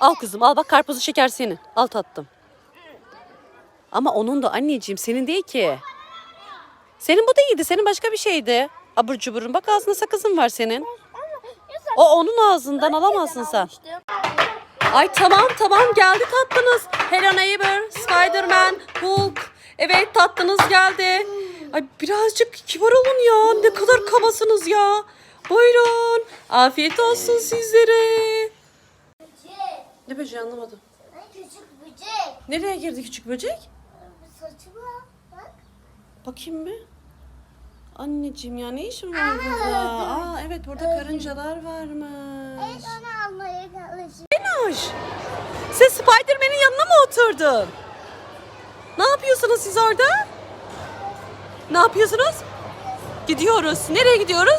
Al kızım al, bak karpuzlu şeker senin. Al tatlım. Ama onun da anneciğim, senin değil ki. Senin bu değildi. Senin başka bir şeydi. Abur cuburun. Bak ağzında sakızın var senin. O onun ağzından, alamazsın sen. Ay tamam geldi tatlınız. Hello Neighbor, Spider-Man, Hulk. Evet tatlınız geldi. Ay birazcık kibar olun ya. Ne kadar kabasınız ya. Buyurun. Afiyet olsun sizlere. Ne böceği anlamadım. Küçük böcek. Nereye girdi küçük böcek? Saçıma bak. Bakayım mı? Anneciğim ya, ne işin var burada? Aa evet, burada karıncalar varmış. Evet, onu almaya çalışıyorum. Zeynoş, sen Spider-Man'in yanına mı oturdun? Ne yapıyorsunuz siz orada? Ne yapıyorsunuz? Gidiyoruz. Nereye gidiyoruz?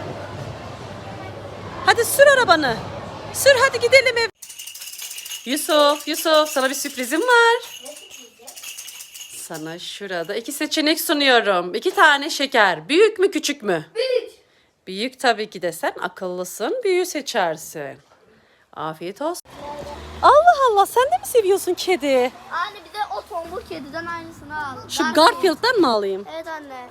Hadi sür arabanı. Sür hadi gidelim ev. Yusuf sana bir sürprizim var. Sana şurada 2 seçenek sunuyorum. 2 tane şeker. Büyük mü küçük mü? Büyük. Büyük tabii ki de, sen akıllısın. Büyüğü seçersin. Afiyet olsun. Allah Allah, sen de mi seviyorsun kedi? Anne bir de o tombul kediden aynısını al. Şu Garfield'dan mı alayım? Evet anne.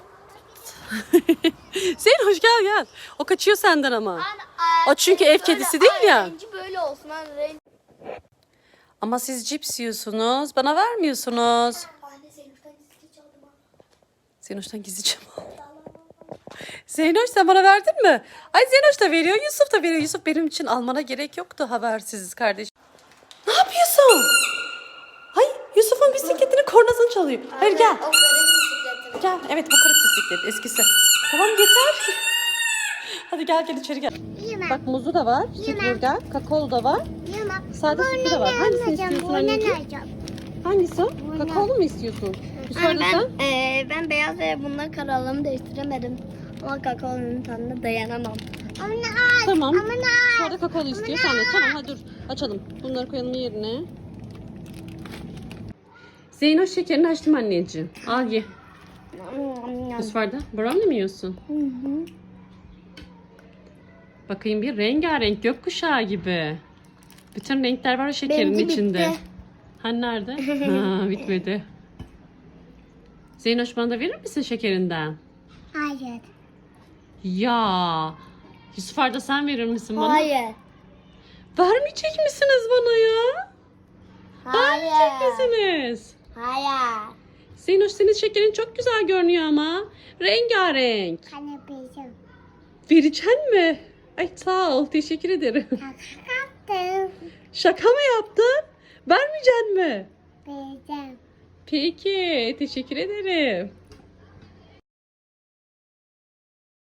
Zeynoş gel. O kaçıyor senden ama. Anne O çünkü ev kedisi değil ya. Rengi böyle olsun anne. Rengi. Ama siz cips yiyorsunuz. Bana vermiyorsunuz. Anne Zeynep'ten gizli çaldım ha. Zeynoş'tan gizlice mi aldın? Zeynoş sen bana verdin mi? Ay Zeynoş da veriyor, Yusuf da veriyor. Yusuf, benim için almana gerek yoktu habersiz kardeşim. Ne yapıyorsun? Ay Yusuf'un bisikletinin kornasını çalıyor. Hayır gel. O garip bisikletim. Gel. Evet bu kırık bisiklet eskisi. Tamam yeter. Hadi gel içeri gel. Yeme. Bak muzu da var. Sütürgen. Kakaolu da var. Yeme. Sade sütü de var. Hangisini istiyorsun anneciğim? Hangisi o? Kakaolu mu istiyorsun? Yusuf'da sen? Ben beyaz ve bununla kararlarımı değiştiremedim. Ama kakaonun tadına dayanamam. Tamam. Sonra kakaolu istiyorsan da. Tamam hadi dur. Açalım. Bunları koyalım yerine. Zeynoş şekerini açtım anneciğim. Al ye. Yusuf'da brownie mi yiyorsun? Bakayım bir, rengarenk gökkuşağı gibi. Bütün renkler var o şekerin Benimki içinde. bitti. Hani nerede? Ha, bitmedi. Zeynoş, bana da verir misin şekerinden? Hayır. Ya. Yusuf Arda, sen verir misin bana? Hayır. Vermeyecek misiniz bana ya? Vermeyecek Hayır. misiniz? Hayır. Zeynoş, senin şekerin çok güzel görünüyor ama. Rengarenk. Kanepeyim. Vereceksin mi? Ay sağ ol, teşekkür ederim. Kaptım. Şaka mı yaptın? Vermeyeceksin mi? Vereceğim. Peki, teşekkür ederim.